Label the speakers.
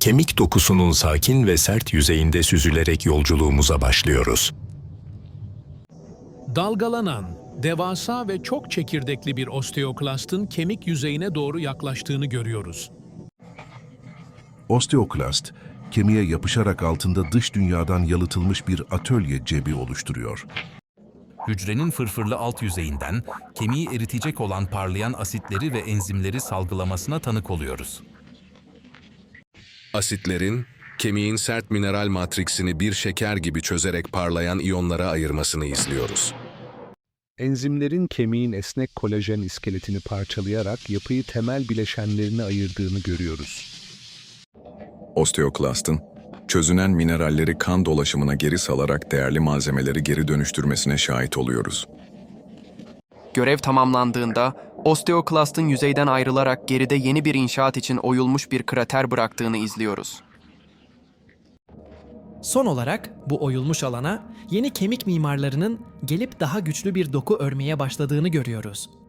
Speaker 1: Kemik dokusunun sakin ve sert yüzeyinde süzülerek yolculuğumuza başlıyoruz.
Speaker 2: Dalgalanan, devasa ve çok çekirdekli bir osteoklastın kemik yüzeyine doğru yaklaştığını görüyoruz.
Speaker 3: Osteoklast, kemiğe yapışarak altında dış dünyadan yalıtılmış bir atölye cebi oluşturuyor.
Speaker 4: Hücrenin fırfırlı alt yüzeyinden kemiği eritecek olan parlayan asitleri ve enzimleri salgılamasına tanık oluyoruz.
Speaker 5: Asitlerin, kemiğin sert mineral matriksini bir şeker gibi çözerek parlayan iyonlara ayırmasını izliyoruz.
Speaker 6: Enzimlerin kemiğin esnek kolajen iskeletini parçalayarak yapıyı temel bileşenlerine ayırdığını görüyoruz.
Speaker 7: Osteoklastın, çözünen mineralleri kan dolaşımına geri salarak değerli malzemeleri geri dönüştürmesine şahit oluyoruz.
Speaker 8: Görev tamamlandığında, osteoklastın yüzeyden ayrılarak geride yeni bir inşaat için oyulmuş bir krater bıraktığını izliyoruz.
Speaker 9: Son olarak bu oyulmuş alana yeni kemik mimarlarının gelip daha güçlü bir doku örmeye başladığını görüyoruz.